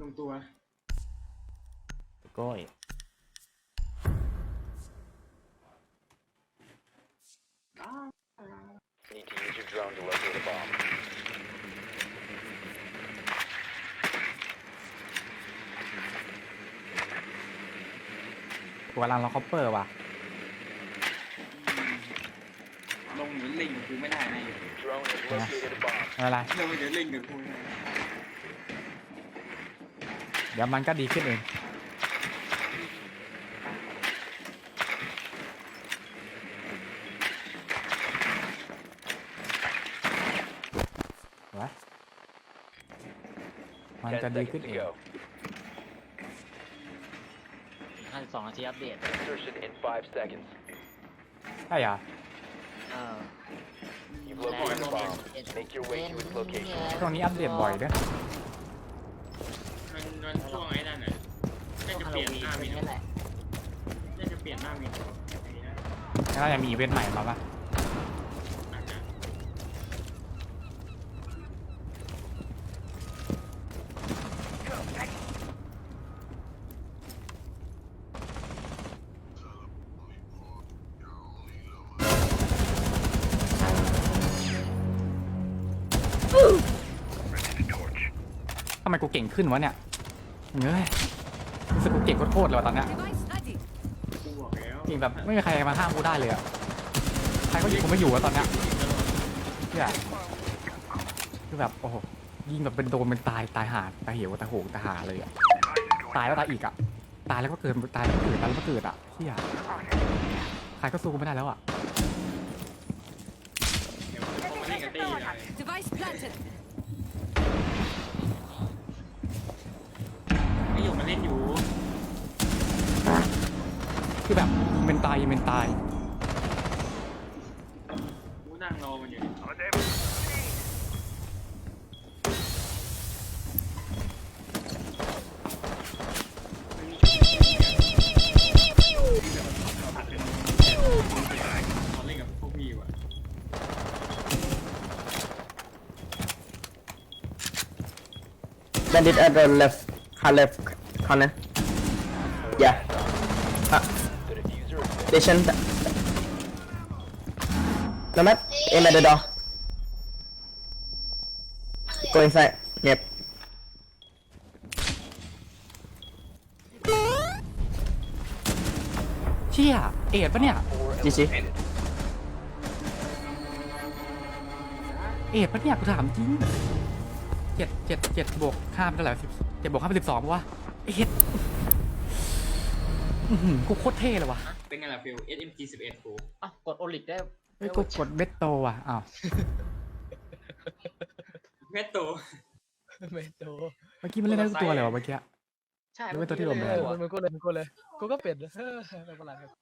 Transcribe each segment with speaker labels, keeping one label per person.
Speaker 1: ลงตัว
Speaker 2: ก้อย
Speaker 3: Need to use your drone to locate a bomb.
Speaker 2: กูกำลังรอคอปเปอร์ว่ะ
Speaker 1: ลงหรือเล่งกับกูไม่ได้นะ
Speaker 3: Drone has located a bomb.
Speaker 2: อะไร
Speaker 1: ลงไปเดี๋ยวเล่งกับกู
Speaker 2: เดี๋ยวมันก็ดีขึ้นเองวะมันจะ
Speaker 3: 10
Speaker 2: ดีขึ้น
Speaker 3: seconds
Speaker 2: เอ
Speaker 3: to
Speaker 2: ง
Speaker 3: go.
Speaker 4: 52 นาทีอัปเดต
Speaker 3: Insertion in 5 seconds.
Speaker 2: ใช่เหรอ
Speaker 3: You've located a bomb. Make your way to its location.
Speaker 2: ตรงนี้อัปเดตบ่อยด้วย
Speaker 1: มันช่วงไอ้นั่นน่ะน่าจะเปลี่ยนหน้ามี
Speaker 4: นี่แหละ
Speaker 1: น่าจะเปลี่ยนหน้ามีไอ้นี่นะ
Speaker 2: แล้วยังมีอีเวนต์ใหม่มาปะ
Speaker 1: อาจจะ
Speaker 2: ทำไมกูเก่งขึ้นวะเนี่ยเฮ้ยรู้สึกกูเก่งโคตรๆเลยว่ะตอนเนี้ย
Speaker 5: Device ready.
Speaker 1: กูบอกแล้ว
Speaker 2: เก่งแบบไม่มีใครมาห้ามกูได้เลยอะใครก็ยิงกูไม่อยู่อะตอนเนี้ยเนี่ยคือแบบโอ้โหยิงแบบเป็นโดนเป็นตายตายหาตายเหวตายโหงตายหาเลยอะตายแล้วตายอีกอะตายแล้วก็เกิดตายแล้วก็เกิดตายแล้วก็เกิดอะเฮียใครก็สู้กูไม่ได้แล้วอะ
Speaker 1: เดี๋ยวพอมาเล่นกับเต้เลย
Speaker 5: Device planted.
Speaker 1: ไอ้หยกมาเล่นอยู่
Speaker 2: คือแบบยิงเป็นตายยิงเป็นตาย
Speaker 1: กูนั่งรอมันอยู่เขาเล่นกับพวกพี่ว่ะ
Speaker 6: Bandit at the left corner. Yeah.
Speaker 3: The diffuser is finished.
Speaker 6: Station. Nomad, aim at the door. Go inside. Yep.
Speaker 2: เชี่ยเอ็ดปะเนี่ย
Speaker 3: 4
Speaker 6: GG.
Speaker 3: eliminated.
Speaker 2: เอ็ดปะเนี่ยกูถามจริง7บวก5เป็นเท่าไหร่7บวก5เป็น12ปะวะเอ็ดกูโคตรเท่เลยวะ
Speaker 1: เป็นไงล่ะฟิล SMG 11กู
Speaker 4: กดโอลิกได้
Speaker 2: เฮ้ยกูกดเบสโตว่ะอ้าว
Speaker 1: แม่โต
Speaker 4: ไม่โต
Speaker 2: เมื่อกี้มันเล่นได้ทุกตัวเลยวะเมื่อกี้
Speaker 4: ใช่
Speaker 2: หรือว่าตัวที่โดนแบน
Speaker 4: มันก็เลยกูก็เป็นไม่เป็นไรครับ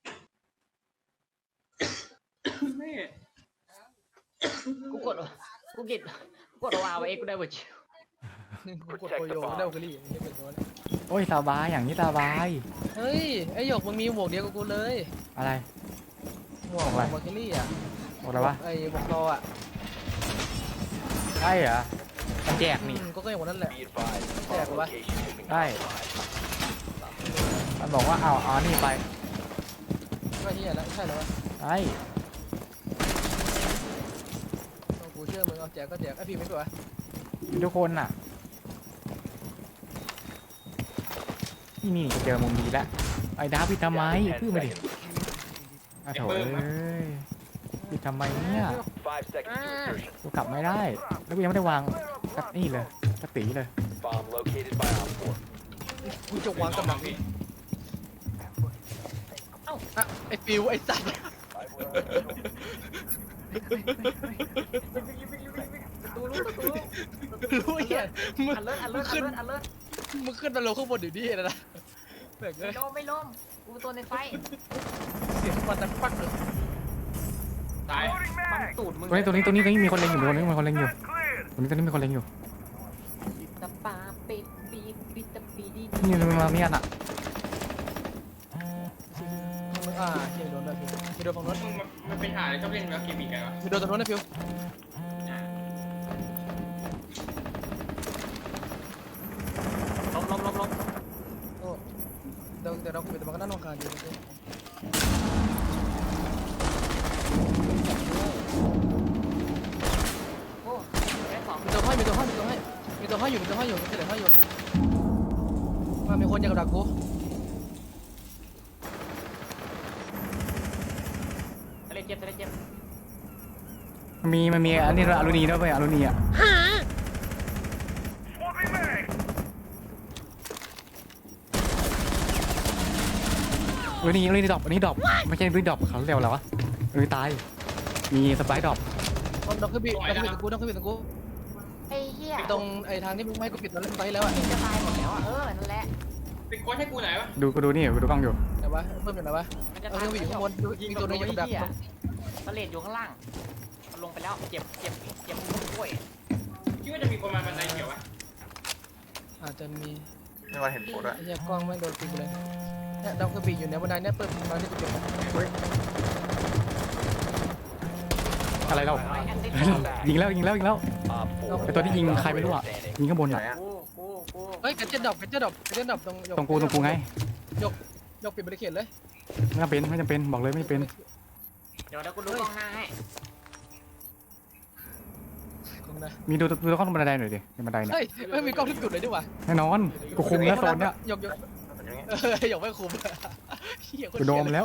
Speaker 1: แม่
Speaker 4: กูกดวาวเอ็กกูได้หมดชิวกูกดโอโยได้โอเคลี่ไม่เป็นตัวเลย
Speaker 2: โอ้ยสบายอย่างนี้สบาย
Speaker 4: เฮ้ยไอหยกมึงมีหมวกเดียวกับกูเลย
Speaker 2: อะไร
Speaker 4: หมวก
Speaker 2: อะไร
Speaker 4: โอเคลี่อ่ะ
Speaker 2: บอกเลยว่า
Speaker 4: ไอหมวกรออ่ะ
Speaker 2: ใช่เหรอมันแจกนี่
Speaker 4: ก็อย่างนั้นแหละ
Speaker 3: Be advised,
Speaker 4: Yeah,
Speaker 3: bomb
Speaker 4: what?
Speaker 3: location has been
Speaker 2: ได้
Speaker 3: compromised.
Speaker 2: มันบอกว่าเอานี่ไป
Speaker 4: ก็ที่แล้วใช่แล้ววะ
Speaker 2: ไอ้
Speaker 4: กูเชื่อมึงเอาแจกก็แจกไอพี่ไม่ตัว
Speaker 2: ทุกคนน่ะนี่เจอมุมดีแล้วไอ้ดาพี่ทำไม
Speaker 3: Down to 10
Speaker 2: พึ่งมาดิ
Speaker 3: seconds.
Speaker 2: โถเอ้ยพี่ทำไมเนี่ย
Speaker 3: 5 seconds to insertion.
Speaker 2: กูกลับไม่ได้ แล้วกูยังไม่ได้วางสักนี่เลยสักตีเลย
Speaker 3: Bomb located by Op 4.
Speaker 4: กูจะวางกำลังนี่เอ้าไอฟิวไอสัตว์รู้เหี้ยมึงขึ้นมาลงข้างบนอยู่นี่นะแบกเลย
Speaker 7: ไม่ล้มกูตัวในไฟ
Speaker 4: เสียงมันดังปักเลย
Speaker 1: ตาย
Speaker 7: มันตูดมึง
Speaker 2: ตรงนี้มีคนเล็งอยู่ตรงนี้มีคนเล็งอยู่ตรงนี้มีคนเล็งอยู่
Speaker 7: ตะปาปิดปีปิดตะปีดี
Speaker 2: นี่มันมาเนี่ยน่ะ
Speaker 4: มึงเฮียโดนเลยพี่โดนฝั่งนู้น
Speaker 1: มันเป็นหาอะไรชอบเล่นแล้วเกมอีกแล้ว
Speaker 4: พี่โดนตรงนู้นนะฟิวล้มโอ้เดี๋ยวเราคุยแต่มันก็น่ารำคาญอยู่
Speaker 7: โอ้ได้ของ
Speaker 4: มีตัวห้อยอยู่ไม่ใช่เหลือห้อยอยู่มามีคนอยากดักกู
Speaker 7: ทะเลเจ็บทะเลเจ็บ
Speaker 2: มันมีอันนี้ด้วยอลูนีด้วยเว้ยอลูนีอ่ะอลูนีดรอปอันนี้ดรอปไม่ใช่อลูนีดรอปเขาเรียกว่าอะไรวะอลูนีตายมีสไปร์ดรอป
Speaker 4: น้องคือบีตรงกู
Speaker 7: ไอ้เหี้ย
Speaker 4: ตรงไอ้ทางที่มึงไม่ให้กูปิดตอนเล่นไปแล้วอ่ะ
Speaker 7: จะตายหมดแล้วอ่ะนั่นแหละ
Speaker 1: เป็นโค้ชให้กูไหนวะ
Speaker 2: ดูกล้องอยู่
Speaker 4: ไหนวะเพิ่มอยู่ไหนวะ
Speaker 7: มันจะ
Speaker 4: เอา
Speaker 7: ตาย
Speaker 4: เครื่องอยู่ข้างบนมีตัวนึงอยู่กับดัก
Speaker 7: ทะเลอยู่ข้างล่างมันลงไปแล้วเจ็บกล้วย
Speaker 1: คิดว่าจะมีคนมาบันไดเขียววะ
Speaker 4: อาจจะมี
Speaker 6: ไม่ว่าเห็นโคตรอะ
Speaker 4: ไอ้เหี้ยกล้องแม่งโดนปิดเลยเนี่ยดาวเครื่องบินอยู่ในบันไดเนี่ยเปิดมาที่กูเก็บ
Speaker 2: อะไรเรา
Speaker 7: ไอ้แอนตี้
Speaker 2: ยิงแล้ว
Speaker 3: Op 4
Speaker 2: ไอตัวที่ยิงใครไม่รู้อ่ะ
Speaker 3: standing.
Speaker 2: ยิงข้างบน
Speaker 6: ไหน
Speaker 2: อ่ะ
Speaker 6: อะ
Speaker 7: กู
Speaker 4: เฮ้ยกระเจ็ดดอกตรง
Speaker 2: ตรงกูไง
Speaker 4: ยกปิดบริเขตเลย
Speaker 2: ไม่จำเป็นบอกเลยไม่เป็น
Speaker 7: เดี๋ยวกูดูกล้องหน้าให้
Speaker 4: กล้องนะ
Speaker 2: มีดูกล้องตรงบันไดหน่อยดิในบันไดเนี่ย
Speaker 4: เฮ้ยไม่มีกล้องทุกจุดเลยดีกว่า
Speaker 2: แน่นอนกูคุมแล้วโซนเนี้ย
Speaker 4: ยกยกไม่คุมเหี้ย
Speaker 2: กูโดมแล้ว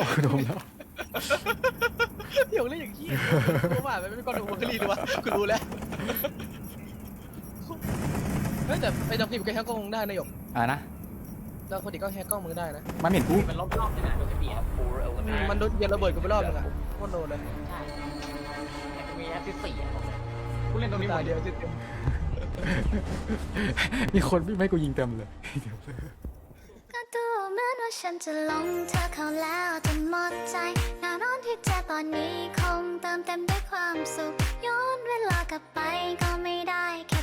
Speaker 4: ยกเล่นอย่างขี้กูว่าไม่มีกล้องดูวอลลีดีวะกูรู้แล้วเฮ้ยแต่ไอ้ดอกนี่มันก็แฮกกล้องได้นะหยก
Speaker 2: นะ
Speaker 4: ดาวคนอีกก็แฮกกล้องมึงได้นะ
Speaker 2: มันเห็นกู
Speaker 7: มันล้มรอบนึงอ่ะโดนกระเบียด
Speaker 3: Op 4 eliminated.
Speaker 4: มันโดนเย็นระเบิดกูไปรอบนึงอ่ะโคตรโดนเลย
Speaker 7: ใช่แต่กูมีแอสซิส4อ่ะกูเล่นตรงนี้หม
Speaker 4: ตาย
Speaker 7: ด
Speaker 4: เดียวเต็ม
Speaker 2: มีคนไม่กูยิงเต็มเลย
Speaker 5: ก็ดูเหมือนว่าฉันจะหลงเธอเข้าแล้วจนหมดใจแน่นอนที่เจอตอนนี้คงเติมเต็มด้วยความสุขย้อนเวลากลับไปก็ไม่ได้แค่